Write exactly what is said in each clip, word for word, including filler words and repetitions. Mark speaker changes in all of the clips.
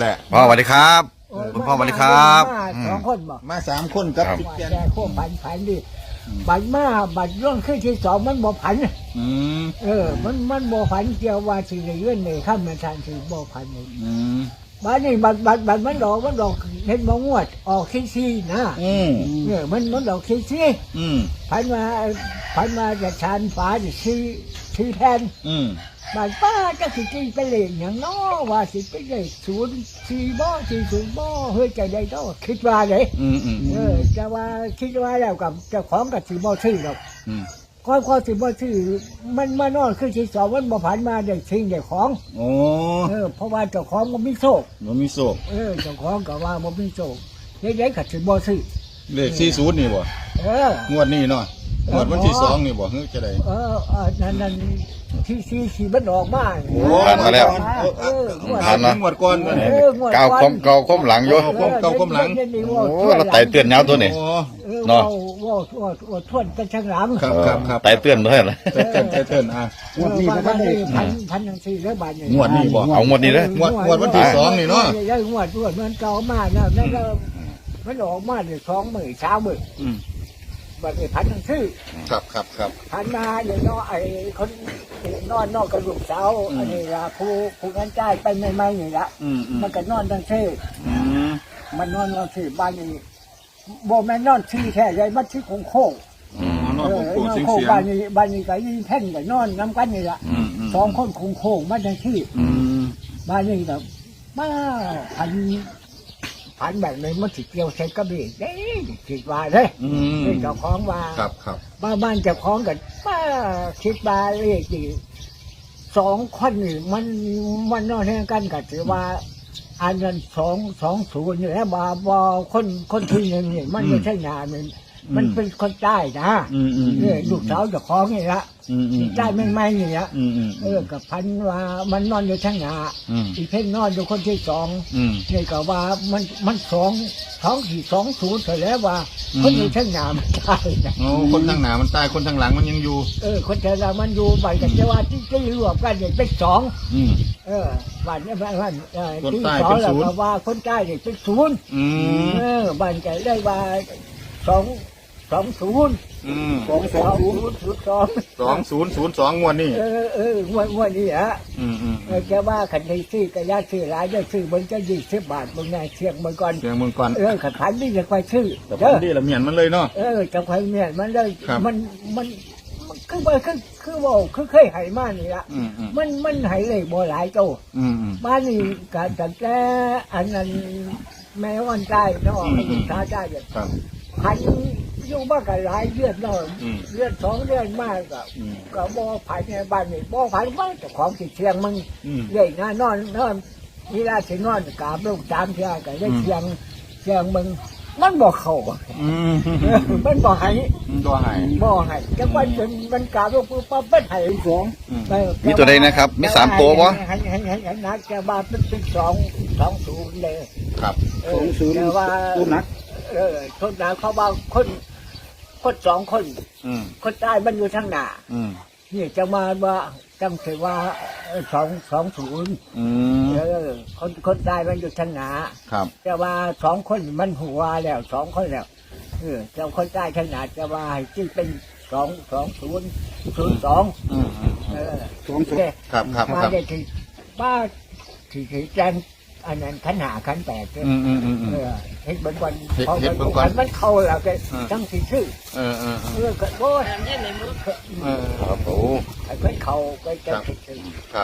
Speaker 1: แหละพ่อสวัสดีครับคุณพ่อสวัสดีครับ
Speaker 2: สองคนบอก
Speaker 3: มาสามคนกับ
Speaker 2: แต่โค้ผันผันดิบัดมาบัดร่องขึ้นที่สองมันบ่ผัน
Speaker 3: อืม
Speaker 2: เออมันมันบ่ผันเกี่ยวว่าสิได้เงินในข้ามมาทานสิบ่ผัน
Speaker 3: อืม
Speaker 2: บัดนี้บัดบัดบัดมันดอกมันดอกเห็นบ่งวดออกขี้ซีนะ
Speaker 3: อืม
Speaker 2: เออมันมันดอกขี้ซี
Speaker 3: อืม
Speaker 2: ผันมาผันมาจะชานฟ้าจะซีซีแทน
Speaker 3: อืม
Speaker 2: บัดป้าจะสิกินไปเลยอย่างน้อว่าสิไปเลยศูนย์สี่บ่สี่ศูนย์บ่เฮ้ยใจได้ก็คิดว่าเลย
Speaker 3: อืมอืม
Speaker 2: เออจะว่าคิดว่าแล้วกับเจ้าของกับสิบ่ซื้อหรอก
Speaker 3: อืม
Speaker 2: ก้อนข้อสิบ่ซื้อมันมานอนขึ้นที่สองมันบ่ผ่านมาได้ทิ้งได้ของ
Speaker 3: โอ้
Speaker 2: เออเพราะว่าเจ้าของมันมีโชค
Speaker 3: มันมีโชค
Speaker 2: เออเจ้าของก็ว่ามันมีโชคเด็กๆก็สิบ่ซื้อ
Speaker 3: เลขสี่ศูนย์นี่บ่
Speaker 2: เออง
Speaker 3: วดนี้เนาะงวดวันที่สองนี่บ่เฮ้ยจะได้
Speaker 2: เออเออนั่นนั่นที่สี่สี่มันออกมา
Speaker 1: ผ่านมาแล้ว
Speaker 3: ผ่านมางวดก่อน
Speaker 1: เก่าคมเก่าคมหลังอยู่
Speaker 3: เก่าคมหลัง
Speaker 1: โอ้เราไต่เตือนเงาตัวนี้
Speaker 2: เนาะว่าว่าว่าทวนกันช่างหลัง
Speaker 3: ครับครับครับ
Speaker 1: ไต่เตือนเพื่อนเลย
Speaker 3: ไต่เตือนไต่เตือนอ่ะ
Speaker 2: งวดนี้พันพันพันยังสี่ร้อยบาท
Speaker 3: งวดนี้บ่
Speaker 1: เอางวดนี้เลย
Speaker 3: งวดงวดวันที่สองนี่เนาะ
Speaker 2: ได้งวดงวดมันเก่ามากนะนั่นก็มันออกมาเนี่ยสองหมื่นสามหมื่นบัดนี้พันทั้งชื่อ
Speaker 3: ครับครับครับ
Speaker 2: พันมาอย่างน้อยไอ้คนนอนนอกกระดูกเสาอันนี้ละผู้ผู้งั้นจ่ายไปไม่ไม่นี่ละมันก็นอนทั้งชื่อมันนอนทั้งชื่อบ้านนี้บ่แม่นอนชื่อแค่ไรมันชื่อคงโค้ง
Speaker 3: นอนโค้ง
Speaker 2: โค้งบ้านนี้บ้านนี้ก็ยิ่งแท่นก็นอนน้ำกันนี่ละสองคนคงโค้งมันทั้งชื่อบ้านนี้แบบมาพันพันแบบนี้มันสิเกี่ยวใช้กระบี่เด้คิดว่าเลยเจ้าของว่า
Speaker 3: ครับครับ
Speaker 2: บ้านบ้านเจ้าของกันป้าคิดว่าเลขดีสองคนนี่มันมันนอนแห่งกันก็ถือว่าอันนั้นสองสองศูนย์นี่แหละบ่บ่คนคนที่หนึ่งนี่มันไม่ใช่งานมันมันเป็นคนใต้นะเนี่ยลูกสาวเจ้าของนี่ละใต้ไม่ไม่นี่ละเออกับพันว่ามันนอนอยู่ทั้งหน้าอีเพ่งนอนอยู่คนที่สองนี่ก็ว่ามันมันสองสองสี่สองศูนย์เสร็จแล้วว่าคนอยู่ทั้งหน้ามันตายนะ
Speaker 3: โอ้คนทั้งหน้ามันตายคนทั้งหลังมันยังอยู่
Speaker 2: เออคนทั้งหน้ามันอยู่บ้านกันจะว่าที่ที่รวมกันเนี่ยเป็นสองเออบ้านนี้บ้านบ้านที่สองแล้วก็ว่าคนใต้เนี่ยเป็นศูนย์เออบ้านกันได้ว่าสองสองศูนย์
Speaker 3: สองสองศูนย์
Speaker 2: สอง
Speaker 3: สองศูนย์ศูนย์สองงวดนี่
Speaker 2: เออเอองวดงวดนี้ฮะแกว่าขันที่ซื้อกระยาซื้อหลายจะซื้อมันก็ยี่สิบบาทมึงไงเชียงมึงก่อน
Speaker 3: เชียงมึงก่อน
Speaker 2: เออขันขันนี่จะไปซื้อ
Speaker 3: แต่พันนี่ละเมียนมันเลยเนาะ
Speaker 2: เออจะไปเมียนมันเลยมันมันคือว่าคือคือว่าคือเคยหายมานี่ละมันมันหายเลยบ่หลายโตบ้านนี้การจัดแก้อันนั้นแม่วันใจเนาะลูกชายใจเนี่ยพันอยู่บ้านกับหลายเลือดเนาะเลือดสองเลือดมากกับกับบ่อผ่านในบ้านนี่บ่อผ่านบ้านแต่ของติดเชียงมึงใหญ่งานนอนนอนเวลาถึงนอนกราบลูกตามเชียงกับได้เชียงเชียงมึงมันบ่เข้ามันบ่หาย
Speaker 3: บ่หาย
Speaker 2: บ่หายจังวันจนมันกราบลูกปุ๊บปั๊บเป็นหายสอง
Speaker 1: มีตัวใดนะครับมีสามตัววะ
Speaker 2: หายหายหายหายนักแกว่าเป็นเป็นสองสองศูนย์เลย
Speaker 3: ครับ
Speaker 2: สองศูนย์แต่ว่า
Speaker 3: ตัวนัก
Speaker 2: เออคนหนาเขาบอกคนคนสองคนคนใต้มันอยู่ทางหน้านี่จะมาว่าจังถือว่าสองสองศูนย์เออคนคนใต้มันอยู่ทางหน้าจะว่าสองคนมันหัวแล้วสองคนแล้วเออเจ้าคนใต้ทางหน้าจะว่าที่เป็นสองสองศูนย์ศูนย์สองเออ
Speaker 3: สองศูนย์ครับครับ
Speaker 2: มาได้ที่ป้าที่ที่แจ้งอันนั้นขันหาขันแตกเลยเออเห็ดบนวัน
Speaker 3: เห็ดบนวัน
Speaker 2: มันเข้าแล้วกันตั้งสี่ชื่อ
Speaker 3: เออเออ
Speaker 2: เออก็โอ้ย
Speaker 3: เออครับโอ้
Speaker 2: มันเข้าไปจะชื่อ
Speaker 3: ครับ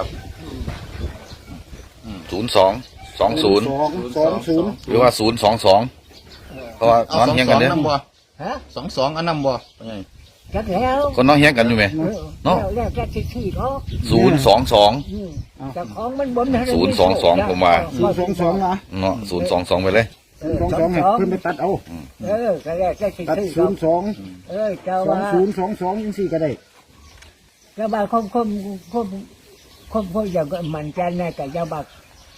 Speaker 1: ศูนย์สองสองศูนย์
Speaker 3: สองศูนย์
Speaker 1: หรือว่าศูนย์สองสองเพราะว่าน้องเฮียงกันเนี่ย
Speaker 3: สองสองอันนำบ่ไง
Speaker 2: จักแล้ว
Speaker 1: คนน้องเฮียงกันอยู่ไหม
Speaker 2: เนาะแล้วแค่ที่ที่เนาะ
Speaker 1: ศูนย์สองสอง
Speaker 2: แต่ของมันบน
Speaker 1: ศูนย์สองสองผมว่า
Speaker 3: ศูนย์สองสองนะ
Speaker 1: เนาะศูนย์สองสองไปเลย
Speaker 3: สองสองเพิ่มไปตัดเอา
Speaker 2: เออก็แล้วแค่ที่ที่
Speaker 3: ศูนย์สอง
Speaker 2: เออเจ้า
Speaker 3: ว่าศูนย์สองสองยังสี่ก็ได้
Speaker 2: เจ้าบ่าวคมคมคมคมคมอย่างมันแกนแน่แต่เจ้าบ่าว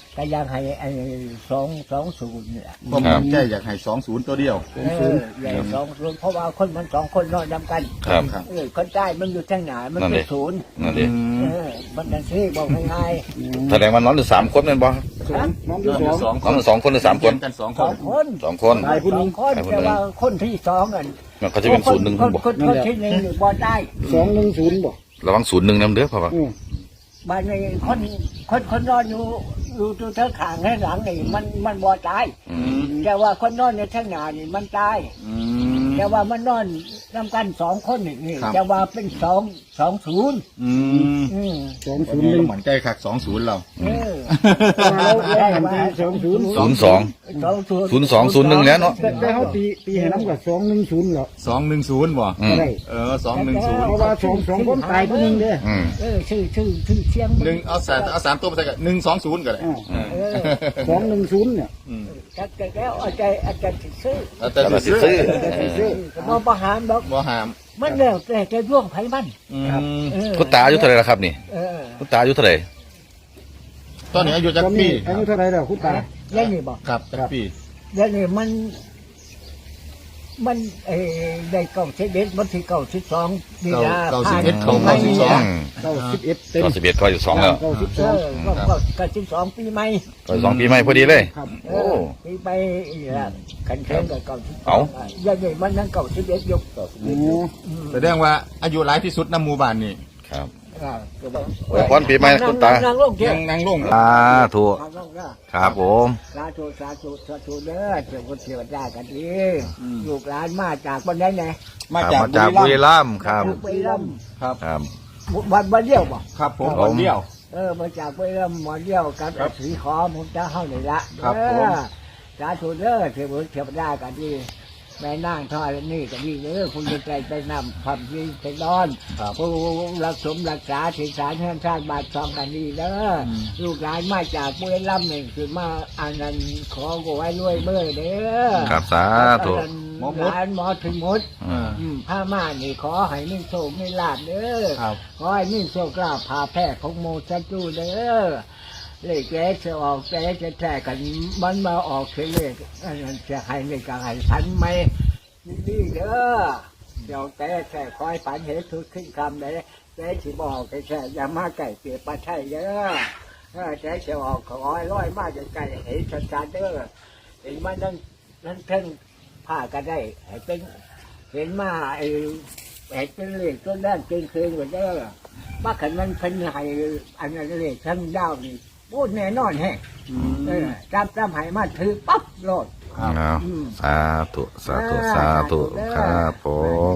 Speaker 2: ก็ยังให้ไอ้สองสองศูนย์นี่แหละ
Speaker 3: ผมมั่นใจอยากให้สองศูนย์ตัวเดียว
Speaker 2: เออใหญ่สองศูนย์เพราะว่าคนมันสองคนนอนนำกัน
Speaker 1: ครับ
Speaker 3: ครับ
Speaker 2: เออคนใต้มันอยู่ทางไหนมัน
Speaker 1: นั่น
Speaker 2: เป็
Speaker 1: ดิ
Speaker 2: นศูนย์
Speaker 1: นั่นดิ
Speaker 2: เออมันนั่นสิบอกง่าย
Speaker 1: แสดงว่านอนอยู่สามคนนั่นบ่
Speaker 3: สองน้องอยู่สอง
Speaker 1: นอนอยู่สองคนหรือสามคน
Speaker 3: กันสอง
Speaker 2: ๆ
Speaker 3: ค
Speaker 2: สอน งคน
Speaker 1: สองคน
Speaker 3: ตายผู้หนึ่ง
Speaker 2: สองคนแต่ว่าคนที่สองอัน
Speaker 1: มันเขาจะเป็นศูนย์หนึ่ง
Speaker 2: คน
Speaker 1: บ่
Speaker 2: คนคนที่หนึ่งอยู่บ่ได้
Speaker 3: สองหนึ่งศูนย์บ่
Speaker 1: ระวังศูนย์หนึ่งนำเด้อพ่อว่า
Speaker 3: อืม
Speaker 2: บ้านนี้คนคนคนนอนอยู่อยู่ตัวเธอขางให้หลังนี่มันมันบ่ตาย
Speaker 1: อืม
Speaker 2: แต่ว่าคนนอนในข้างหน้านี่มันตาย
Speaker 3: อืม
Speaker 2: แต่ว่ามันนอนนำกันสองคนนี่นี่
Speaker 3: ครับ
Speaker 2: แต่ว่าเป็นสองสองศูนย์
Speaker 3: อืม
Speaker 2: อืม
Speaker 3: สองศูนย์หนึ่งมั่นใจคักสองศูนย์เรา
Speaker 2: เออ
Speaker 3: เราเราหันตีสองศูนย์
Speaker 1: ศูนย์สอง
Speaker 2: สองศูนย์
Speaker 1: ศูนย์สองศูนย์หนึ่งแล้วเนาะ
Speaker 3: แต่แต่เขาตีตีให้น้ำกับสองหนึ่งศูนย์เหรอ
Speaker 4: สองหนึ่งศูนย์บ่
Speaker 1: อืม
Speaker 3: ได้
Speaker 4: เออสองหนึ่งศูนย์
Speaker 3: เพราะว่าสองสองคนตายผู้หนึ่งเด้อ
Speaker 1: อืม
Speaker 2: เออชื่อชื่อชื่อเชียง
Speaker 4: หนึ่งเอาสามเอาสามตัวมาใส่กันหนึ่งสองศูนย์ก็ได้
Speaker 3: อ่า
Speaker 4: เออ
Speaker 2: เออ
Speaker 3: สองหนึ่งศูนย์เนี่ย
Speaker 4: อืม
Speaker 2: จัดแล้วอาจารย์อาจารย์ซื้อ
Speaker 4: แล้วแต่
Speaker 1: แต่
Speaker 4: สิ
Speaker 1: สิ
Speaker 4: ซื้อ
Speaker 1: ซื้อ
Speaker 2: ก็มองประหารดอก
Speaker 4: บ่หาม
Speaker 2: มันแล้วแต่จะร่วงไผมัน
Speaker 4: อืม
Speaker 2: เออ
Speaker 1: คุณตาอายุเท่าไหร่แล้วครับนี่
Speaker 2: เออ
Speaker 1: คุณตาอายุเท่าไหร่
Speaker 4: ตอนนี้อายุจัก
Speaker 3: ตอน
Speaker 4: ปี
Speaker 3: นี้อายุเท่าไหรแล้วคุณตา
Speaker 2: แล้วนี่บอก
Speaker 4: ครับจักปี
Speaker 2: แล้วนี่มัน มันเออได้เก้าสิบเอ็ดมันที่เก้าสิบสองนี่
Speaker 4: เก้า
Speaker 2: ละ
Speaker 4: เก้าสิบเอ็ดเขา
Speaker 2: ผ่
Speaker 4: เก้าน สิบสอง
Speaker 1: อืม
Speaker 3: เก้าสิบเอ็ดเต็ม
Speaker 1: ก็สิบเอ็ดก็อยู่สองแล้ว
Speaker 3: เก้าสิบส
Speaker 2: เอ
Speaker 3: อง
Speaker 2: อก็ก็เก้าสิบสองปีใหม่
Speaker 1: ก็สองปีใหม่พอดีเลย
Speaker 3: ครับ
Speaker 2: เอ
Speaker 1: โอ้
Speaker 2: อปีใหม่นี่ละขันเทงกับเก้าสิบส
Speaker 1: เอา
Speaker 2: องยังไงมันนั่งเก้าสิบเอ็ดยก
Speaker 3: โอ้
Speaker 4: แสดงว่าอายุหลายที่สุดในหมู่บ้านนี่
Speaker 1: ครับ
Speaker 2: อ่าก็บอก
Speaker 1: อวยพรปีใหม่นะคุณตา
Speaker 2: นั่งลงเที่ย
Speaker 4: ยั
Speaker 2: ว
Speaker 4: งนั่งลง
Speaker 1: สาธุ
Speaker 2: นั่งลงนะครับ
Speaker 1: ผม
Speaker 2: สาธุสาธุสาธุเด้อเจ้าคนเทวดากันดีลูกหลานมาจากวันไหนไหน
Speaker 4: มา
Speaker 1: ครับ
Speaker 4: จาก
Speaker 1: มาจาก
Speaker 4: บุ
Speaker 1: บุ
Speaker 4: รี
Speaker 1: รี
Speaker 4: รัมย์
Speaker 1: รัมย์ครับ
Speaker 2: บุรีรัมย์
Speaker 4: ครับ
Speaker 1: ครับ
Speaker 2: วันวันเดียวบ่
Speaker 4: ครับผม
Speaker 1: ครับ
Speaker 4: คนเดียว
Speaker 2: เออมาจากบุรีรัมย์วันเดียวกับ
Speaker 4: ครับ
Speaker 2: สีขอผมจะเข้าไหนละ
Speaker 4: ครับ
Speaker 2: เอ
Speaker 4: ผม
Speaker 2: อสาธุเด้อเทวดาเทวดากันดีแม่นั่งทอดนี่ก็ดีเด้อคุณจะใจไปนำความดีไปนอน
Speaker 4: ครับ
Speaker 2: ผู้รักสมรักษาถิ่นฐานแห่งชาติบาทซองกันดีเด้ออ
Speaker 4: ม
Speaker 2: ลูกหลานมาจากบุรีรัมย์นี่คือมาอันนั้นขอกูไว้รวยเมื่อเด้อ
Speaker 1: ครับสาธุ
Speaker 2: อันนั้นหลานหมอถึงหมด
Speaker 1: อืม
Speaker 2: อืมผ้าม่านนี่ขอให้มีโชคมีลาภเด้อ
Speaker 4: ครับ
Speaker 2: ขอให้มีโชคลาภพาแพร่ของโมชันจูเด้อเลขแกจะออกแกจะแท้กันมันมาออกคือเลขอันนั้นจะให้เลขกันให้พันไหมนี่เด้อเดี๋ยวแกแท้คอยฝันเห็นทุกขึ้นคำเลยแกสิบอกแกแท้อย่ามาไก่เปียกปลาไช่เด้อเออแกจะออกขอให้ร้อยมากจะไก่เห็นชัดๆเด้อเห็นมันนั่นนั่นเท่งผ้าก็ได้ให้เป็นเห็นมาไอ้ไอ้เป็นเลขต้นด้านเกินคืนกว่าเด้อว่าขันมันเป็นไห้อันนั้นเลขทั้งดาวนี่พูดแน่นอนแฮะเออจำจำให้มาถือปั๊บโลด
Speaker 1: เอา
Speaker 2: อืม
Speaker 1: สาธุสาธุสาธุครับผม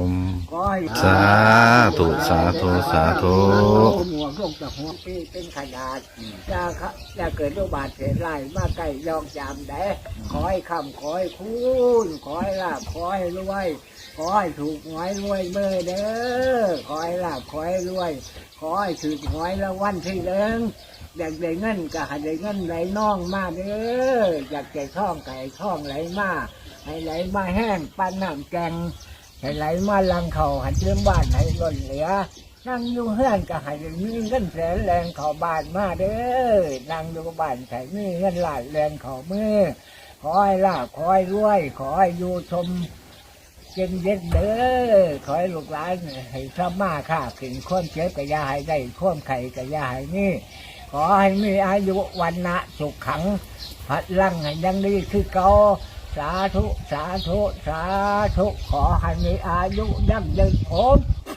Speaker 2: ขอให้
Speaker 1: สาธุสาธุสาธุ
Speaker 2: หัวลงจากหัวปีเป็นขนาดจะจะเกิดโรคบาดเจ็บไล่มาใกล้ยองจามได้ขอให้คำขอให้คุณขอให้ลาบขอให้รวยขอให้ถูกหวยรวยเมื่อเด้อขอให้ลาบขอให้รวยขอให้ถูกหวยละวันที่หนึ่งอยากได้เงินก็ให้ได้เงินไหลน่องมาเด้ออยากได้ท่องไก่ท่องไหลมาให้ไหลมาแห้งปั้นน้ำแกงให้ไหลมาลังเขาหันเชื่อมบ้านให้ล้นเหลือนั่งอยู่เฮือนก็ให้ได้มีเงินแสนแรงเขาบ้านมาเด้อนั่งอยู่บ้านใส่มีเงินหลายแรงเขามือขอให้ลาบขอให้รวยขอให้อยู่ชมเย็นเย็นเด้อขอให้ลูกหลานให้สมาค่าขึ้นข้อมเชื้อกะยาให้ได้ข้อมไข่กะยาให้นี่ขอให้มีอายุวันนะสุขขังพัดลังให้ยังดีคือเก่าสาธุสาธุสาธุขอให้มีอายุยั่งยืนผม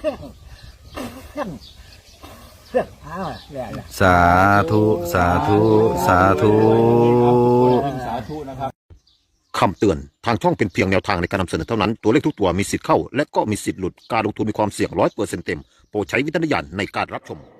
Speaker 2: อ้าวเรื่องอะไร
Speaker 1: สาธุสาธุสาธุ
Speaker 4: สาธุนะครับ
Speaker 5: คำเตือน ทางช่องเป็นเพียงแนวทางในการนำเสนอเท่านั้น ตัวเลขทุกตัวมีสิทธิ์เข้า และก็มีสิทธิ์หลุด การลงทุนมีความเสี่ยงร้อยเปอร์เซ็นต์เต็ม โปรดใช้วิจารณญาณในการรับชม